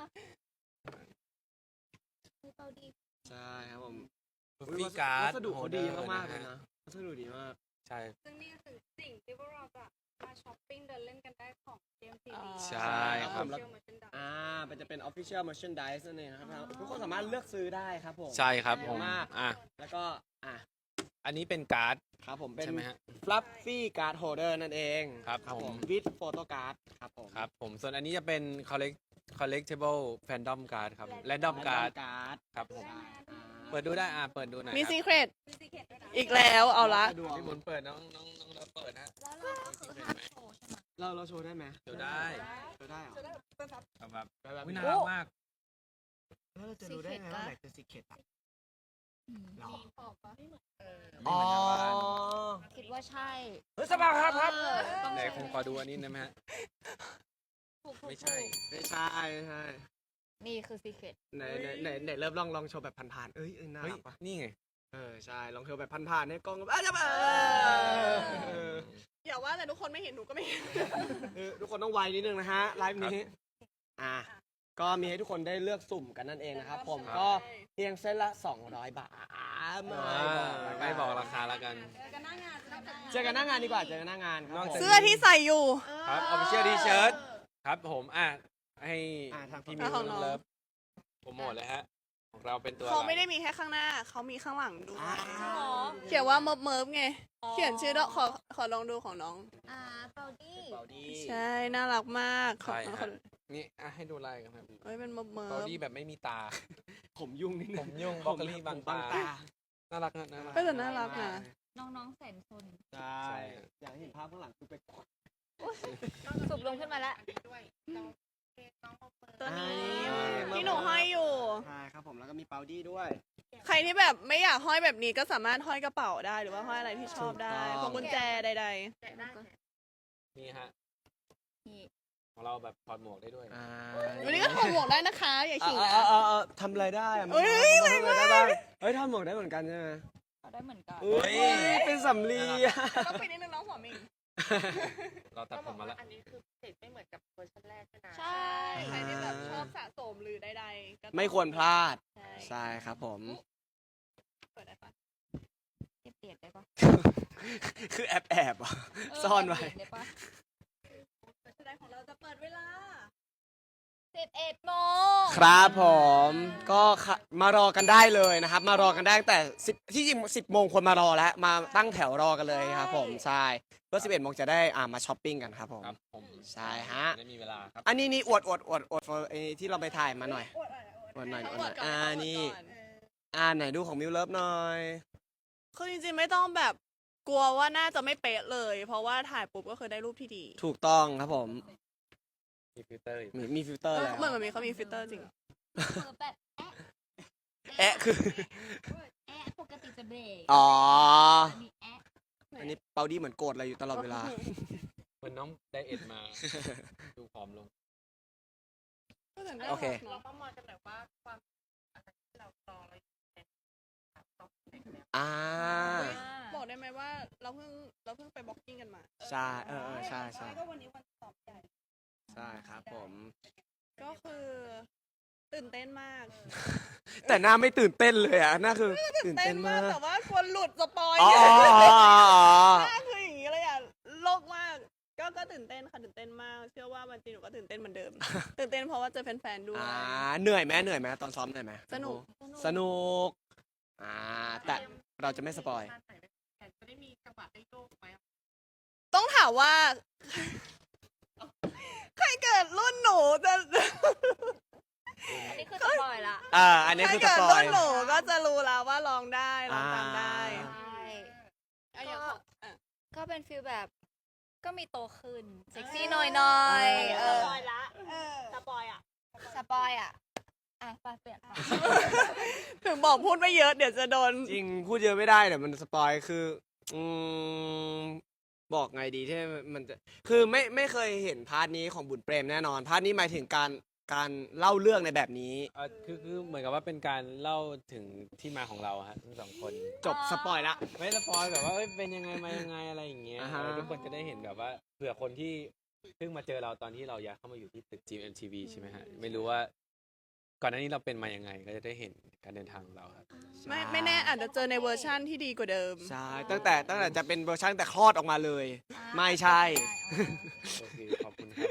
Speaker 1: ใช่ครับผม
Speaker 2: บุฟฟี่การ์ด
Speaker 1: วัสดุเขาดีมากๆเลย
Speaker 2: นะ
Speaker 1: นะวัสดุดีมาก
Speaker 2: ใช่
Speaker 5: ซึ่งนี่ก็คือสิ่งที่พวกเราจะมาช้อปปิ้งเดินเล่นกันได้ของ จี เอ็ม ที วี
Speaker 2: ใช่ครับ
Speaker 5: เชื่อมเหมือนเป็นดอก
Speaker 1: อ่ามันจะเป็น official merchandise นั่นเองนะครับทุกคนสามารถเลือกซื้อได้ครับผม
Speaker 2: ใช่ครับผม
Speaker 1: มาก
Speaker 2: อ่ะ
Speaker 1: แล้วก็อ่ะ
Speaker 2: อันนี้เป็นการ์ด
Speaker 1: ครับผมเป็น
Speaker 2: ใช่ไหมฮะ
Speaker 1: fluffy card holder นั่นเอง
Speaker 2: ครับผม
Speaker 1: with photo card ครับผม
Speaker 2: ครับผมส่วนอันนี้จะเป็น collect collectible fandom card ครับ random card
Speaker 1: การ์ด
Speaker 2: ครับผม เปิดดูได้อ่ะเปิดดูหน่อย
Speaker 3: มี
Speaker 2: ครับ
Speaker 3: ซีเครตอีกแล้วเอาละ
Speaker 2: พี่หมุนเปิดน้องน้องน้องเราเปิดนะ
Speaker 4: แล้วเราก็คือห้ามโชว์ใช่ไหม
Speaker 1: เราเราโชว์ได้ไหม
Speaker 2: เดี๋ยวได้
Speaker 1: โชว์ได้เหรอ
Speaker 2: ครับแบบ
Speaker 1: แบบ
Speaker 2: อุ๊ย
Speaker 1: นี้
Speaker 2: น่ารักมาก
Speaker 1: แล้วเราจะรู้ได้ไงว่าไหนคือ secret อ่ะ
Speaker 4: อืม
Speaker 1: หรอ
Speaker 2: อ๋อ
Speaker 4: คิดว่าใช่
Speaker 1: เฮ้ยสบายครับครับ
Speaker 4: เออต้อง
Speaker 2: ไหน
Speaker 4: ใช่
Speaker 2: คงขอดูอันนี้ได้ไหมฮะ
Speaker 4: ถูกถูก
Speaker 2: ไม่ใช่
Speaker 1: ไม่ใช่ไม่ใช่
Speaker 4: นี่คือซีเครต
Speaker 1: ไหนไหนไหนไหนเริ่มลองลองโชว์แบบผ่านๆเอ้ยเอ้ยน่า
Speaker 2: เฮ้ย
Speaker 1: รักปะ
Speaker 2: นี่ไง
Speaker 1: เออใช่ลองโชว์แบบผ่านๆให้กล้องอ่ะจะมาเออ
Speaker 3: อย่าว่าแต่ทุกคนไม่เห็นหนูก็ไม่เห็น
Speaker 1: เออทุกคนต้องไวนิดนึงนะฮะไลฟ์นี้อ่ะก็มีให้ทุกคนได้เลือกสุ่มกันนั่นเองนะครับผม
Speaker 2: ครับ
Speaker 1: ก็เพียงเส้นละสองร้อยบาทไม่
Speaker 2: อ่า
Speaker 1: บอกละน
Speaker 2: ไม่บอกราคาแล้วกัน
Speaker 5: เจอกันหน้างานจะได้
Speaker 1: เจอกันหน้างานดีกว่าเจอกันหน้างานครับ
Speaker 2: นอก
Speaker 1: ผม
Speaker 2: จาก
Speaker 3: เสื้อที่ใส่อยู่
Speaker 2: ครับ official t-shirt ครับผมอ่ะให้
Speaker 1: อ่ะทาง
Speaker 2: พี่
Speaker 1: พี่
Speaker 2: มิ
Speaker 1: มิ
Speaker 2: ว
Speaker 1: ว
Speaker 2: น้องเลิฟโปรโมทเลยฮะ ของเราเป็นตัว
Speaker 3: เขาไม่
Speaker 2: อะร
Speaker 3: ได้มีแค่ข้างหน้า เขามีข้างหลังด้วย
Speaker 1: อ่า
Speaker 4: หรอ
Speaker 3: เขียนว่าเมิร์ฟเมิร์ฟไง เขียนชื่อด้วยขอขอลองดูของน้อง
Speaker 4: อ่าเปาดี้
Speaker 1: เบาดี
Speaker 3: ใช่ น่ารักมากขอ
Speaker 2: ใช่
Speaker 3: ขอ
Speaker 2: ฮะนี่อ่ะให้ดูลายกันครับ
Speaker 3: เอ้ยเป็นเมิร์ฟเมิ
Speaker 2: บอ
Speaker 3: ร์ฟ
Speaker 2: ดี้แบบไม่มีตา
Speaker 1: ผมยุ่งนิดนึ
Speaker 2: ผ
Speaker 1: ง
Speaker 2: มยุ่งบล็อกเกอรี่บาง
Speaker 1: ผม
Speaker 2: ตา น่ารักนะน่ารัก
Speaker 3: ก็จะน่ารักนะ
Speaker 4: น้องๆแสนซน
Speaker 1: ใช่อยากให้เห็นภาพข้างหลังคือไปกด
Speaker 4: สุบลงขึ้นมาแล้ว
Speaker 5: ด้วยเราเค้กน้องเอาเปิด
Speaker 3: ตัวนี้
Speaker 1: อ่า
Speaker 3: ที่หนูห้อยอยู่
Speaker 1: ใช่ครับผมแล้วก็มีเปาดี้ด้วย
Speaker 3: ใครที่แบบไม่อยากห้อยแบบนี้ก็สามารถห้อยกระเป๋าได้หรือว่าห้อยอะไรที่ชอบได้
Speaker 1: ถูกต้อง
Speaker 3: พวงกุญแจใด
Speaker 5: แกะได้แกะ
Speaker 2: นี่ฮะ
Speaker 4: นี่
Speaker 2: ของเราแบบถอดหมวกได้ด้วย
Speaker 1: อ่า
Speaker 3: ๆ วันนี้ก็ถอดหมวกได้นะคะ อย่าขิง
Speaker 1: เอ
Speaker 3: นะ
Speaker 1: อเออเออทำอะไรได้อะ
Speaker 3: เอ้ย
Speaker 1: ทำอะไรได้บ้างเฮ้ยทำหมวกได้เหมือนกันใช่ไหม
Speaker 4: เอาได้เหมือนกัน
Speaker 1: เอ้ยเป็นสำลีอะ
Speaker 3: ต้องไปนิดนึงน้องหัวหมิง
Speaker 2: เราตัดผมมาแล้ว
Speaker 5: อันนี้คือเสร็จไม่เหมือนกับเวอร์ชันแรกใช่ไหม
Speaker 3: ใช่ ใครที่แบบชอบสะสมหรือใดๆก็ต้อง
Speaker 1: ไม่ควรพลาด
Speaker 3: ใช่
Speaker 1: ใช่ครับผม
Speaker 3: เปิดได้ปะ
Speaker 4: เก็บเปียกได้ปะ
Speaker 1: คือแอบแอบๆอ่ะ ซ่อนไว้
Speaker 4: เก็บเปียกได้ปะ
Speaker 3: แสดงของเราจะเปิดเวลา
Speaker 4: สิบเอ็ดโมง
Speaker 1: ครับผมก็ค่ะมารอกันได้เลยนะครับ มารอกันได้ตั้งแต่สิบที่จริงสิบโมงคนมารอแล้วมาตั้งแถวรอกันเลยครับผมใช่เพื่อสิบเอ็ดโมงจะได้อ่ามาช้อปปิ้งกันครับผม
Speaker 2: ครับผม
Speaker 1: ใช่ฮะ
Speaker 2: ได้มีเวลาครับ
Speaker 1: อันนี้นี่อวดอวดอวดอวดไอ้ที่เราไปถ่ายมาหน่อยอวดหน่อยอวดหน่อย
Speaker 3: ก่อน
Speaker 1: อ่า
Speaker 3: ก่อน
Speaker 1: นี่
Speaker 3: ก่อน
Speaker 1: อ่าไหนดูของมิวเลิฟหน่อย
Speaker 3: คือจริงๆไม่ต้องแบบกลัวว่าน่าจะไม่เป๊ะเลย เพราะว่าถ่ายปุ๊บก็คือได้รูปที่ดี
Speaker 1: ถูกต้องครับผม
Speaker 2: มีฟิลเตอร์อีก
Speaker 1: มีมีฟิลเตอร์แล้ว
Speaker 3: เหมือนมันมีเขามีฟิลเตอร์จริง
Speaker 4: เปิดแบบ
Speaker 1: แอะคือ
Speaker 4: แอะปกติจะเบรก
Speaker 1: อ๋อ
Speaker 4: อันนี้แอะ
Speaker 1: อันนี้เปาดี้เหมือนโกรธอะไรอยู่ตลอดเวลา
Speaker 2: เหมือนน้องไดเอทมา ดูผอมลง
Speaker 1: โอเค
Speaker 5: เราต้องมองกันหน่อยว่าความอะไรที่เรารอเราเป็นแบบตอบในแบบ
Speaker 1: อ่า
Speaker 3: บอกได้ไหมว่าเราเพิ่งเราเพิ่งไปบ็อกกิ้งกันมา
Speaker 1: ใช่เออเออใช่ใช่
Speaker 5: ก็วันนี้วันสอบใหญ่
Speaker 1: ใช่ครับผม
Speaker 3: ก็คือตื่นเต้นมาก
Speaker 1: แต่หน้าไม่ตื่นเต้นเลยอ่ะหน้าคือตื่น
Speaker 3: เต้
Speaker 1: เต้
Speaker 3: น
Speaker 1: น
Speaker 3: มาม
Speaker 1: าก ก
Speaker 3: แต่ว่ากลัวหลุดสปอย
Speaker 1: อ๋ออ๋ออ๋ออ๋อ
Speaker 3: หน้าคืออย่างนี้เลยอ่ะโลกมาก ก็ก็ตื่นเต้นค่ะตื่นเต้นมาก เชื่อว่าวันจริงหนูก็ตื่นเต้นเหมือนเดิม ตื่นเต้นเพราะว่าเจอแฟนๆด้วย
Speaker 1: อ่าเหนื่อยไหมเหนื่อยไหมตอนซ้อมเหนื่อยไหม
Speaker 3: สนุก
Speaker 1: สนุกอ่าแต่เราจะไม่สปอย
Speaker 5: จะได้มีจังหวะได้โยกไหม
Speaker 3: ต้องถามว่า ใครเกิดรุ่นหนูจะ
Speaker 4: อันนี้คือสปอยละ
Speaker 1: อ่าอันนี้
Speaker 3: ใคร
Speaker 1: คือส
Speaker 3: เกิด
Speaker 1: ปอ
Speaker 3: รุ่
Speaker 1: ย
Speaker 3: นหนูก็จะรู้แล้วว่าร้องได้ร้องตามได้
Speaker 1: อ่า
Speaker 4: ใช่
Speaker 3: อ่ะอย่างของอ่ะ
Speaker 4: ก็เป็นฟิลแบบ ก็มีโตขึ้น เซ็กซี่หน่อยหน่อยๆเออ
Speaker 3: สปอยละสปอยอ่ะ
Speaker 4: สปอยอ่ะ อ่ะไปเปลี่ยนค่ะ
Speaker 3: ถึงบอกพูดไม่เยอะเดี๋ยวจะโดน
Speaker 1: จริงพูดเยอะไม่ได้เดี๋ยวมันสปอยคืออืมบอกไงดีที่มันจะคือไม่ไม่เคยเห็นพาร์ทนี้ของบุญเปรมแน่นอนพาร์ทนี้หมายถึงการการเล่าเรื่องในแบบนี้
Speaker 2: เอ่อคือคือเหมือนกับว่าเป็นการเล่าถึงที่มาของเราฮะทั้งสองคน
Speaker 1: จบสปอยละ
Speaker 2: ไม่สปอยแบบว่าเอ้ยเป็นยังไงมายังไงอะไรอย่างเงี้ย
Speaker 1: อ่าฮะ
Speaker 2: เออทุกคนจะได้เห็นแบบว่าเผื่อคนที่เพิ่งมาเจอเราตอนที่เราย้ายเข้ามาอยู่ที่ตึก จี เอ็ม ที วี ใช่ไหมฮะไม่รู้ว่าก่อนหน้านี้เราเป็นมายังไงก็จะได้เห็นการเดินทางของเราครับ
Speaker 3: ไม่ไม่แน่อาจจะเจอในเวอร์ชั่นที่ดีกว่าเดิม
Speaker 1: ใช่ตั้งแต่ตั้งแต่จะเป็นเวอร์ชันแต่คลอดออกมาเลย ไม่ใช่
Speaker 2: โอเคขอบคุณครับ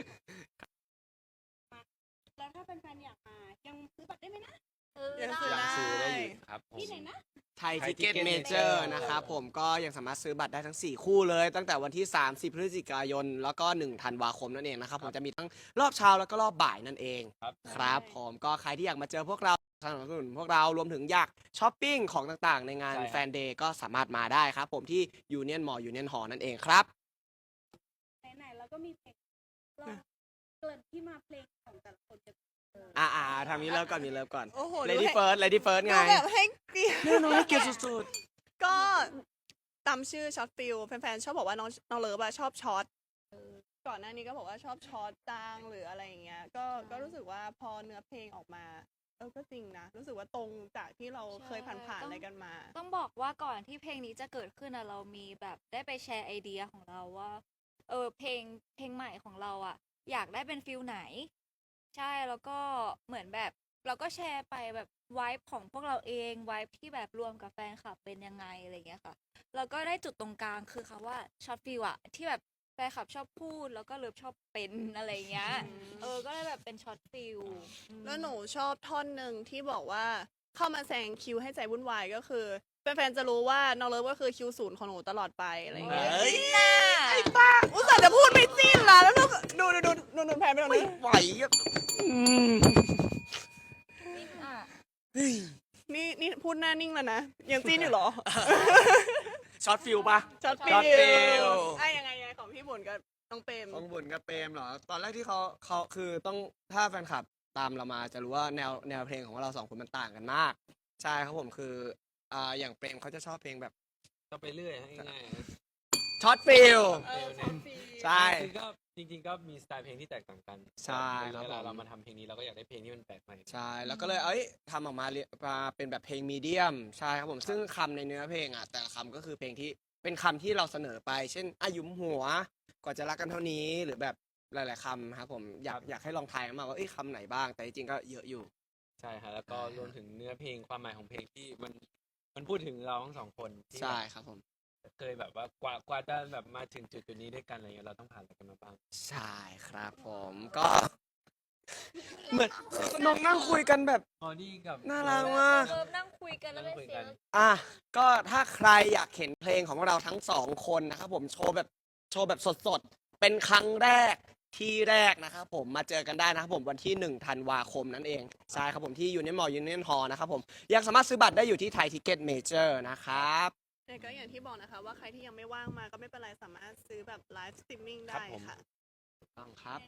Speaker 5: แล้วถ้าเป็นแฟนๆอยากมายังซื้อบัตรได้ไหมนะ
Speaker 3: ยัง
Speaker 2: ยัง
Speaker 3: ซื้อได้
Speaker 2: ซื้อได้อยู่ครับผม
Speaker 5: ที่ไหนนะ
Speaker 1: ไทย
Speaker 2: ไท
Speaker 1: ทิ
Speaker 2: ย
Speaker 1: เก็ต
Speaker 2: Ticket
Speaker 1: เมเจอ
Speaker 2: Major
Speaker 1: ร์นะครับผมก็ยังสามารถซื้อบัตรได้ทั้ง สี่ คู่เลย ตั้งแต่วันที่ สามสิบ พฤศจิกายน แล้วก็ หนึ่ง ธันวาคมนั่นเองนะครับผมจะมีทั้งรอบเช้าแล้วก็รอบบ่ายนั่นเอง
Speaker 2: ครับ
Speaker 1: ครับผมก็ใครที่อยากมาเจอพวกเราสนับสนุนพวกเรารวมถึงอยากช้อปปิ้งของต่างๆ ในงาน
Speaker 2: ใช่ครับ
Speaker 1: แฟนเดย์ก็สามารถมาได้ครับผมที่ยูเนียนมอยูเนียนหอนั่นเองครับ
Speaker 5: ไหนๆแล้วก็มีเพลงลองเกิดที่มาเพลงของแต่ละคนจะ
Speaker 1: อ่าอ่าทางนี้เริ่มก่อนมีเริ่มก่อน
Speaker 3: โอ้โห
Speaker 1: Lady First Lady First ไง
Speaker 3: ดูแบบให้เกียรติ
Speaker 1: แน่นอนให้เกียรติสุด
Speaker 3: ก็ตามชื่อช็อตฟิลแฟนๆชอบบอกว่าน้องน้องเลิฟอะชอบช็อตก่อนหน้านี้ก็บอกว่าชอบช็อตจางหรืออะไรอย่างเงี้ยก็ก็รู้สึกว่าพอเนื้อเพลงออกมาเออก็จริงนะ รู้สึกว่าตรงจากที่เราเคยผ่านๆอะไรกันมา
Speaker 4: ต้องบอกว่าก่อนที่เพลงนี้จะเกิดขึ้นอะเรามีแบบได้ไปแชร์ไอเดียของเราว่า เออเพลงเพลงใหม่ของเราอะอยากได้เป็นฟิลไหน ใช่แล้วก็เหมือนแบบเราก็แชร์ไปแบบไวฟ์ของพวกเราเองไวฟ์ที่แบบรวมกับแฟนคลับเป็นยังไงอะไรเงี้ยค่ะแล้วก็ได้จุดตรงกลางคือคำว่าช็อตฟิลอะที่แบบแฟนคลับชอบพูดแล้วก็เลิฟชอบเป็นอะไรเงี้ยเออก็เลยแบบเป็นช็อตฟิลอืม
Speaker 3: แล้วหนูชอบท่อนหนึ่งที่บอกว่าเข้ามาแซงคิวให้ใจวุ่นวายก็คือแฟนๆจะรู้ว่าน้องเลิฟก็คือคิวศูนย์ของหนูตลอดไปอะไรอย่างเงี้ย
Speaker 1: เฮ้ย
Speaker 4: น่า
Speaker 3: อุตส่าห์จะพูดไม่สิ้นละแล้วดูดูดูดูดูแพนไปตรง
Speaker 1: ไม่
Speaker 3: นี้
Speaker 1: ไหวอะอืม
Speaker 4: อ่ะ
Speaker 1: เฮ้ย
Speaker 3: นี่นี่พูดหน้านิ่งแล้วนะยังจิ้นอยู่เหรอ
Speaker 1: ช็อตฟิลปะ
Speaker 3: ช็อตฟิ
Speaker 1: ช็อตฟิล
Speaker 3: ไอ้ยังไงยังไงของพี่บุญกับน้องเปรม
Speaker 1: ของบุญกับเปรมเหรอ ตอนแรกที่เขาเขาคือต้องถ้าแฟนคลับตามเรามาจะรู้ว่าแนวแนวเพลงของเราสองคนมันต่างกันมาก ใช่ครับผมคืออ่าอย่างเปรมเขาจะชอบเพลงแบบ
Speaker 2: ก็ไปเรื่อยฮะง่ายๆฮะ
Speaker 1: ช็อตฟิล
Speaker 3: เออช็อตฟิล
Speaker 1: ใช่
Speaker 2: จริงๆก็จริงๆก็มีสไตล์เพลงที่แตกต่างกัน
Speaker 1: ใช่ครับ
Speaker 2: เวลา
Speaker 1: ผม
Speaker 2: เรามาทำเพลงนี้เราก็อยากได้เพลงที่มันแปลกใหม่
Speaker 1: ใช่ แล้วก็เลยเอ้ยทำออกมาเรียมาเป็นแบบเพลงมีเดียม ใช่ครับผม ซึ่งคำในเนื้อเพลงอ่ะแต่ละคำก็คือเพลงที่เป็นคำที่เราเสนอไป เช่นอายุมหัว กว่าจะรักกันเท่านี้ หรือแบบหลาย ๆคำครับผม อยากอยากให้ลองทายกันมาว่าเอ้ยคำไหนบ้าง แต่จริงๆก็เยอะอยู่
Speaker 2: ใช่ฮะแล้วก็
Speaker 1: อ่าร
Speaker 2: วมถึงเนื้อเพลงความหมายของเพลงที่มันมันพูดถึงเราทั้งสองคนที่
Speaker 1: ใช่ครับผม
Speaker 2: เคยแบบว่ากว่ากว่าจะแบบมาถึงจุดจุดนี้ด้วยกันอะไรเงี้ยเราต้องผ่านอะไรกันมาบ้าง
Speaker 1: ใช่ครับผมก็ เหมือนน้องนั่งคุยกันแบบ
Speaker 2: ออดี้กับ
Speaker 1: น่ารักมาก
Speaker 4: เลิฟนั่งคุยกันแล้วได้
Speaker 2: คุย
Speaker 4: เสี
Speaker 2: กั
Speaker 4: ย
Speaker 2: น
Speaker 4: ง
Speaker 1: อ่ะก็ถ้าใครอยากเห็นเพลงของเราทั้งสองคนนะครับผมโชว์แบบโชว์แบบสดๆ เป็นครั้งแรกที่แรกนะครับผมมาเจอกันได้นะครับผมวันที่หนึ่งธันวาคมนั่นเองใช่ครับผมที่ยูเนียนมอลยูเนียนฮอนะครับผมยังสามารถซื้อบัตรได้อยู่ที่ไทยทิเก็ตเมเจอร์นะครับ
Speaker 3: แต่ก็อย่างที่บอกนะคะว่าใครที่ยังไม่ว่างมาก็ไม่เป็นไรสามารถซื้อแบบไลฟ์สตรีมมิ่ง
Speaker 2: ครั
Speaker 3: ได้
Speaker 2: บผม
Speaker 3: ค่ะ
Speaker 1: ต้องครับ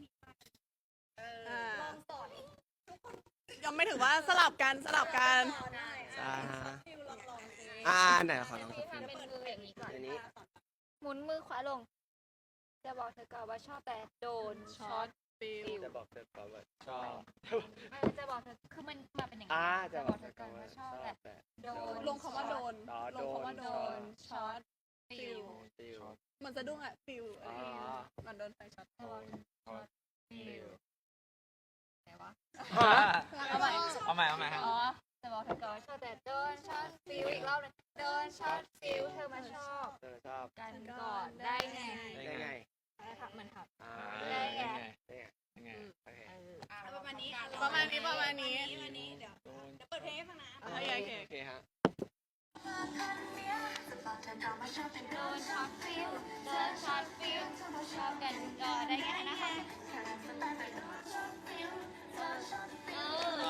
Speaker 3: อ่ายังไม่ถึงว่าสลับกันสลับกัน
Speaker 1: ใช่ฮะอ่าไหนขอลองสัก
Speaker 4: ทำ
Speaker 1: ที
Speaker 4: เป็นมืออย่างนี้ก่อน
Speaker 1: อันนี้
Speaker 4: หมุนมือขวาลง จะบอกเธอก่อนว่าชอบแต่โดนช็อต
Speaker 3: ฟิล
Speaker 2: จะบอกเธอก่อนว่าชอบ
Speaker 4: เออจะบอกเธอคือมันมาเป็นอย่าง
Speaker 1: อ่า
Speaker 4: นี้
Speaker 1: จะ
Speaker 4: จะ
Speaker 1: บบ อ
Speaker 4: อก ก
Speaker 1: เธ
Speaker 4: เธ
Speaker 1: อ
Speaker 4: อ
Speaker 1: ก่
Speaker 4: ก่
Speaker 1: อ
Speaker 4: อน น
Speaker 1: ว่า
Speaker 4: ว่า
Speaker 1: ช
Speaker 4: ช
Speaker 1: อ
Speaker 4: อ
Speaker 1: บบ แต่
Speaker 4: แต่โดน
Speaker 3: ลงคำว่าโดน
Speaker 1: อ๋อ
Speaker 3: ลงคำว่าโดนช็อต
Speaker 4: ฟิล
Speaker 1: ฟิล
Speaker 3: เหมันสะดุ้งอะฟิลอะไรอย่างเงี้ย
Speaker 1: อ๋อ
Speaker 3: มันโดนไฟช็อต
Speaker 4: จะบอกช็อตฟิลไหนวะ
Speaker 2: เอาใหม่เอาใหม่เอาใหม่ครับ
Speaker 4: อ๋อจะบอกเธอก่อนว่าชอบแต่โดนช็อตฟิลอีกรอบหนึงโดนช็อตฟิลเธอมาชอบ
Speaker 1: เธอชอบ
Speaker 4: กันก่อนได้ไง
Speaker 1: ได้ไง
Speaker 4: อะไรครับมันครับ
Speaker 1: อ่า
Speaker 4: ได้ไง
Speaker 2: ยังไงโอเค
Speaker 4: เออ
Speaker 5: ประมาณนี้
Speaker 3: ประมาณนี้ประมาณนี้
Speaker 5: ประมาณนี้เดี๋ยวเดี๋ยวเปิดเพลงให้ฟังนะ
Speaker 3: โอเคโอเค
Speaker 1: โอเคฮะ
Speaker 4: โดนช็อตฟิลโดนช็อตฟิลชอบกันก่อนได้ไงนะคะเออ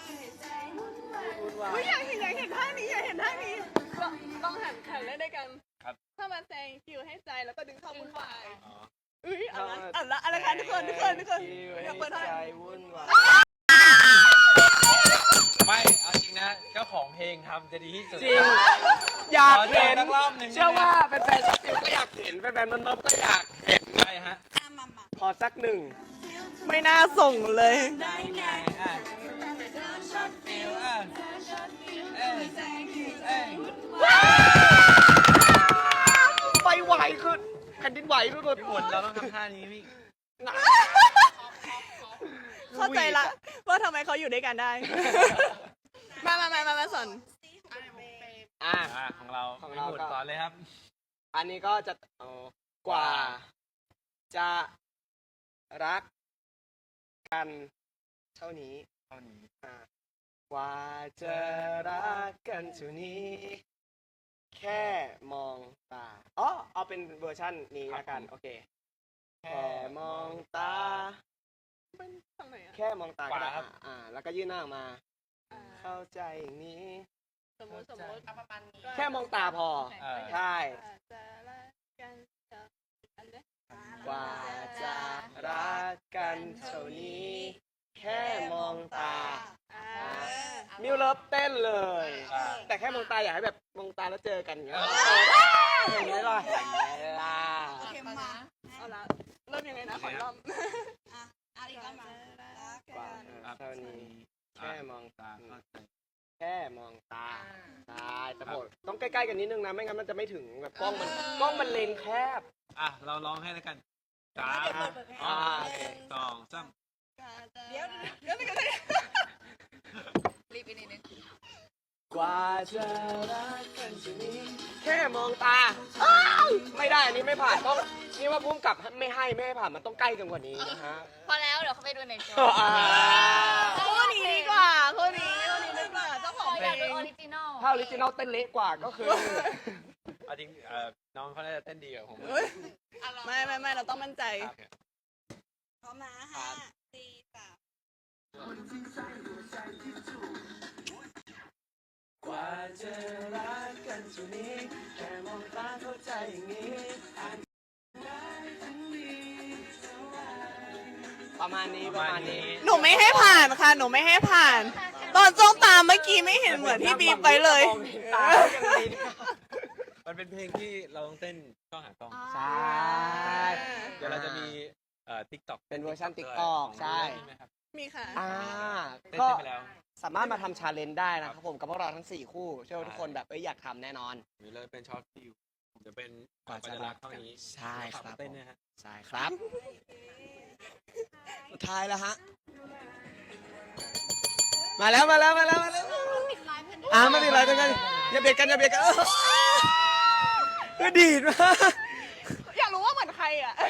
Speaker 3: อุ้ยอยากเห็นอยากเห็นท่านี้อยากเห็นท่านี้ก็ต้องหันหันเล่นด้วยกัน
Speaker 2: ครับ
Speaker 3: ถ้ามาแซงคิวให้ใจแล้วก็ดึงเข้าวุ่นวาย
Speaker 2: อ๋อ
Speaker 3: อุ้ยเอันละอันละอะไรกันทุกคนทุกคนทุกคนอยากเปิดท่า
Speaker 1: ใจวุ่นวาย
Speaker 2: ไม่เอาจริงนะก็ขอของเพลงทำจะดีที่สุด
Speaker 1: จริง อยากเห็น
Speaker 2: ขอเจอสักรอบหนึ่ง
Speaker 1: เชื่อว่าแฟนๆช็อตฟิลก็อยากเห็นแฟนๆมันนบก็อยากเห็น
Speaker 2: ใช่ฮะ
Speaker 1: ขอสักหนึ่ง
Speaker 3: ไม่น่าส่งเลย
Speaker 2: อ่ะอ่ะเอ้ยเอ้ย
Speaker 1: ไปไหวขึ้นแผ่นดินไหวทุกคน
Speaker 2: พี่หมุนเราต้องทำท่านี้พี่
Speaker 3: เข้าใจละว่าทำไมเขาอยู่ด้วยกันได้ มามามามามาสอน
Speaker 1: อ่ะ
Speaker 2: อ่ะของเรา
Speaker 1: ของเรา
Speaker 2: พี่หมุน
Speaker 1: ก็
Speaker 2: สอนเลยครับ
Speaker 1: อันนี้ก็จะเอากว่า จะรักกันเท่านี้
Speaker 2: เท่านี้
Speaker 1: อ่ะกว่าจะรักกันเท่านี้ แค่มองตาอ๋อเอาเป็นเวอร์ชั่นนี้ละกัน โอเค แค่มองตา
Speaker 3: ทางไหนอะ
Speaker 1: แค่มองตาก็ได้
Speaker 2: ขวาครับ
Speaker 1: อ่ะอ่า แล้วก็ยื่นหน้าออกมา เข้าใจอย่างนี้
Speaker 3: สมมติสมมติ
Speaker 1: แค่มองตาพอ
Speaker 2: เออ
Speaker 1: ใช่
Speaker 3: จะรักกันเถอะอันเนี้ย
Speaker 1: กว่าจะรักกันเท่านี้ แค่มองตา
Speaker 3: อ่า
Speaker 1: มิวเลิฟเต้นเลย
Speaker 2: อ่า
Speaker 1: แต่แค่มองตาอยากให้แบบมองตาแล้วเจอกันอย่างเงี้ยอย่างนี้ล่ะอย่างนี้ล่ะ
Speaker 3: เอาละเริ่มยังไงนะขออีกรอบ
Speaker 1: กว่า
Speaker 2: อ่ะ
Speaker 1: เท่านี้ แค่มองตา
Speaker 2: เข้าใจ
Speaker 1: แค่มองตาใช่แต่ผมต้องใกล้ๆกันนิดนึงนะ ไม่งั้นมันจะไม่ถึงแบบกล้องมันกล้องมันเลนแคบ
Speaker 2: อ่ะเราร้องให้แล้วกันสาม
Speaker 1: อ่าโอเค
Speaker 2: สองสาม
Speaker 3: เดี๋ยวเดี๋ยวเดี๋ยว
Speaker 4: รีบไปนิดนึง
Speaker 1: กว่าจะรักกันจะนี้แค่มองตาอ้าวไม่ได้อันนี้ไม่ผ่านต้องนี่ว่าพุ่มกับไม่ให้ไม่ให้ผ่านมันต้องใกล้กันกว่านี้นะฮะ
Speaker 4: พอแล้วเดี๋ยวเขาไปดูในโช
Speaker 1: อ่า
Speaker 3: คู่นี้ดีกว่าคู่นี้คู่นี้ดีกว่าเจ้าของเพ
Speaker 4: อ
Speaker 3: ล
Speaker 4: ยากดู
Speaker 3: ง
Speaker 4: ออริจินอล
Speaker 1: ถ้าออริจินอลเต้นเละกว่าก็คือ
Speaker 2: เอาจริงเอ่อน้องเขาน่าจะเต้นดีกว่าผม
Speaker 3: เฮ้ยไม่ไม่ไม่เราต้องมั่นใจ
Speaker 2: ครับ
Speaker 5: พร้อมนะห้าสี่สาม
Speaker 1: กว่าจะรักกันจุนี้แค่มองตาเข้าใจอย่างนี้ประมาณนี้ประมาณนี้
Speaker 3: หนูไม่ให้ผ่านค่ะ หนูไม่ให้ผ่าน ตอนจ้องตามเมื่อกี้ไม่เห็นเหมือนที่บีบไว้เลย
Speaker 1: มองเห็นตายังดีนะ
Speaker 2: มันเป็นเพลงที่เราต้องเต้นกล้องหากล้อง
Speaker 1: ใช่
Speaker 2: เดี๋ยวเราจะมีเอ่อติ๊กต็อก
Speaker 1: เป็นเวอร์ชัน TikTok ใช่
Speaker 2: ไหมครับ
Speaker 3: มีค่ะ
Speaker 1: อ่า
Speaker 2: เต้น
Speaker 1: ก็
Speaker 2: เต้นไปแล้ว
Speaker 1: สามารถมาทำชาเลนจ์ได้นะครับผมกับพวกเราทั้งสี่คู่เชื่อว่าทุกคนแบบเอ้ยอยากทำแน่นอน
Speaker 2: หรือเลยเป็นช็อตฟิวจะเป็นกว่าจะรักเท่านี้
Speaker 1: ใช่ครับ
Speaker 2: เต้นนะฮะ
Speaker 1: ใช่ครับ สุดท้ายแล้วฮะ มาแล้วมาแล้วมาแล้วมาแล้วอ่ามาดิไรตรงกันอย่าเบียดกันอย่าเบียดกันเออเออดีดมาก
Speaker 3: อยากรู้ว่าเหมือนใครอ่ะ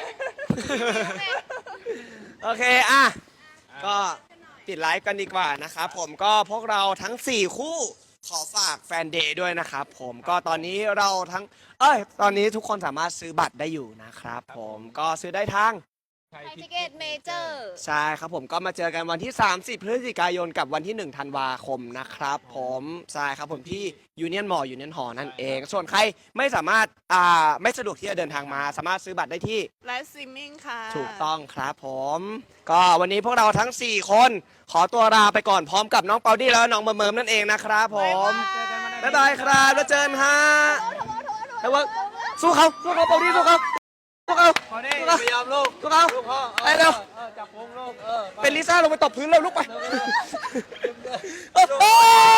Speaker 1: โอเคอ่ะก็ปิดไลฟ์กันดีกว่านะครับผมก็พวกเราทั้งสี่คู่ขอฝากแฟนเดย์ด้วยนะครับผมก็ตอนนี้เราทั้งเอ้ยตอนนี้ทุกคนสามารถซื้อบัตรได้อยู่นะครับผมก็ซื้อได้ทาง
Speaker 2: ไทย
Speaker 4: ไทย
Speaker 2: ทิ
Speaker 4: ทิ
Speaker 2: เก็
Speaker 4: เก็
Speaker 2: ต
Speaker 4: ตเมเจอร์
Speaker 1: ใช่ครับผมก็มาเจอกันวันที่ สามสิบ พฤศจิกายนกับวันที่ หนึ่ง ธันวาคมนะครับผมใช่ครับผมที่ยูเนียนมอลล์ยูเนียนหอนั่นเอง ส่วนใครไม่สามารถอ่าไม่สะดวกที่จะเดินทางมา สามารถซื้อบัตรได้ที่
Speaker 3: ไลฟ์สตรีมมิ่งค่ะ
Speaker 1: ถูกต้องครับผม ก็วันนี้พวกเราทั้ง สี่ คน ขอตัวลาไปก่อนพร้อมกับน้องเปาดี้แล้วก็น้องเมิร์มเมิร์มนั่นเองนะครับผมบ๊ายบายครับแล้วเจอกันฮะแล้วว่าสู้เขาสู้เขาเปาดี้สู้เขาสู้เขา
Speaker 2: พอได้ไม่ยอมลูก
Speaker 1: สู้เขา
Speaker 2: ลูกพ่อ
Speaker 1: ไปเร็ว
Speaker 2: เออจับพุงลูกเออ
Speaker 1: เป็นลิซ่าลงไปตบพื้นเร็วลุกไป
Speaker 2: เออ
Speaker 1: โอ้โห